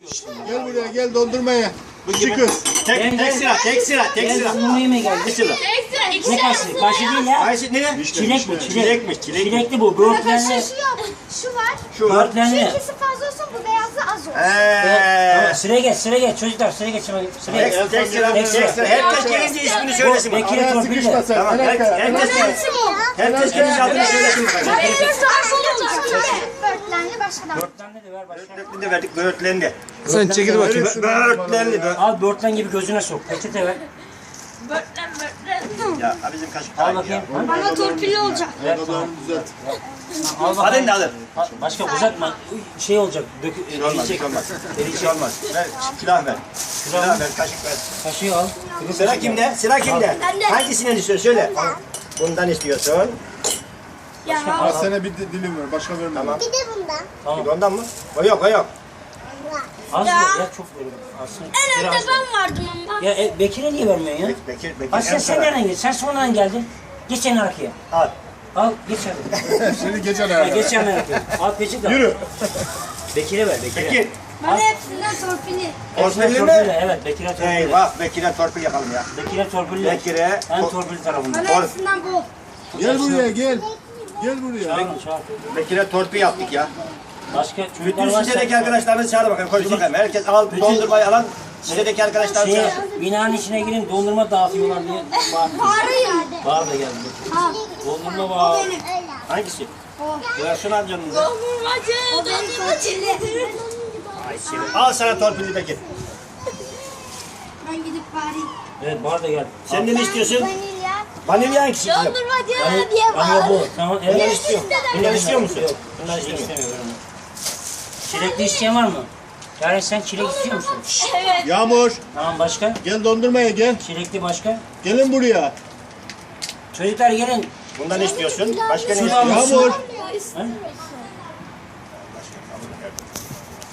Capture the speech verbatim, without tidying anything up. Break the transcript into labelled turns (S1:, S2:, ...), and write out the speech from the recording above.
S1: Gel buraya gel dondurmaya. Küçük kız.
S2: Tek, tek sıra, tek sıra, tek
S3: Ben
S2: sıra.
S3: sunumlu yemeğe geldim.
S2: Bir sıra.
S3: Ne kaşı? Kaşı değil ya.
S2: Ayşe ne?
S3: Çilek bu, çilek.
S2: Çilekmiş, çilek.
S3: Çilekli bu, böğürtlenli.
S4: Şu yok. Şu var.
S2: Şu var.
S4: Şu
S3: Böğürtlenli.
S4: ikisi fazla olsun, bu beyazı az olsun.
S3: Tamam,
S2: Eee.
S3: sıraya geç, sıraya geç. Çocuklar sıraya geç. Sıraya geç.
S2: Tek, tek sıra, tek sıra. Herkes gelince ismini söylesin bak.
S3: Bekir'e
S1: Araya
S3: torpille.
S1: sıkışma sen.
S2: Tamam,
S1: Herkes.
S2: herkes, herkes, herkes gelince adını söylesin.
S4: Böğürtlenli başka da.
S3: Böğürtlenli de ver başka.
S2: Böğürtlenli de verdik, böğürtlenli.
S1: Sen çekil bakayım.
S2: Böğürtlenli, böğürtlenli.
S3: Al böğürtlen gibi gözüne sok. Peçete ver.
S2: Ya bizim kaşık
S3: Al
S2: daha iyi
S3: bakayım.
S2: ya.
S4: Bana torpilli olacak.
S3: Ver. Tamam.
S1: Düzelt.
S3: Al
S2: Adın
S3: bakayım.
S2: da alır.
S3: Al, başka uzatma. Şey olacak. Dök,
S2: Bir şey olmaz, bir
S3: eriyecek.
S2: şey olmaz. Bir
S3: Eriyecek.
S2: şey olmaz. Ver, külah ver.
S3: Külah
S2: Külah ver, kaşık ver.
S3: Kaşığı al.
S2: Sıra kimde? Sıra kimde? Hangisinden istiyorsun? Söyle. Bundan istiyorsun.
S1: Al sana bir di- dilim ver. Başka verme.
S2: Tamam.
S4: Bir de bundan.
S3: Tamam.
S2: Ondan mı? O yok, o yok.
S3: Az ver. Ya çok veriyorum. Aslında.
S4: En önde
S3: Biraz.
S4: ben vardım ama.
S3: Ya e, Bekir'e niye vermiyorsun ya?
S2: Bek- Bekir, Bekir.
S3: Ha sen
S2: en
S3: sen
S2: sonra.
S3: nereden geldin? Sen sonradan geldin. Geç en arkaya.
S2: Al.
S3: Al geç hadi.
S1: Seni geçen
S3: Ha,
S1: ayağa.
S3: geç en arkaya. Al peçete al.
S1: Yürü.
S3: Bekir'e ver Bekir'e.
S2: Bekir.
S4: Bana hepsinden torpilli.
S3: Hepsine
S2: Torpilli mi?
S3: torpille, evet Bekir'e torpille.
S2: Eyvah, Bekir'e torpil yapalım ya.
S3: Bekir'e torpille.
S2: Bekir'e
S3: En
S2: to-
S3: torpil tarafında.
S4: Bana hepsinden bol.
S1: Gel buraya gel. Gel buraya.
S3: Çağır çağır.
S2: Bekir'e torpil yaptık ya.
S3: Başka çocuklar
S2: Bütün
S3: varsa.
S2: sitedeki arkadaşlarınızı çağır bakalım. Koş bakalım. Herkes al dondurmayı alan sitedeki arkadaşlarını
S3: Şey,
S2: çağır.
S3: binanın içine girin dondurma dağıtıyorlar diye. Bağır.
S4: Bağırayım.
S3: Bağır da geldi. Dondurma bağır.
S2: Hangisi? Ya şunu al canınıza.
S4: Dondurmacı. Dondurmacı.
S2: Ay seni. Al sana torpilli Bekir.
S4: Ben gidip bağırayım.
S3: Evet bağır da geldi.
S2: Sen ne istiyorsun?
S4: Vanilya.
S2: Vanilya hangisi? kızım?
S4: Dondurmacı diye
S3: Ama bu.
S4: bağır.
S3: Tamam.
S2: Bundan
S3: Evet.
S2: istiyor musun? Bundan istiyor musun?
S3: Yok.
S2: Bundan
S3: Çilek
S2: istemiyor.
S3: istemiyorum. Çilekli isteyen var mı? Yaren sen çilek istiyor musun?
S4: Evet.
S1: Yağmur.
S3: Tamam başka?
S1: Gel dondurmaya gel.
S3: Çilekli başka?
S1: Gelin buraya.
S3: Çocuklar gelin.
S2: Bundan istiyorsun. Başka ne
S3: Sudan
S2: istiyorsun?
S3: mısın?
S1: Yağmur.
S3: Ha?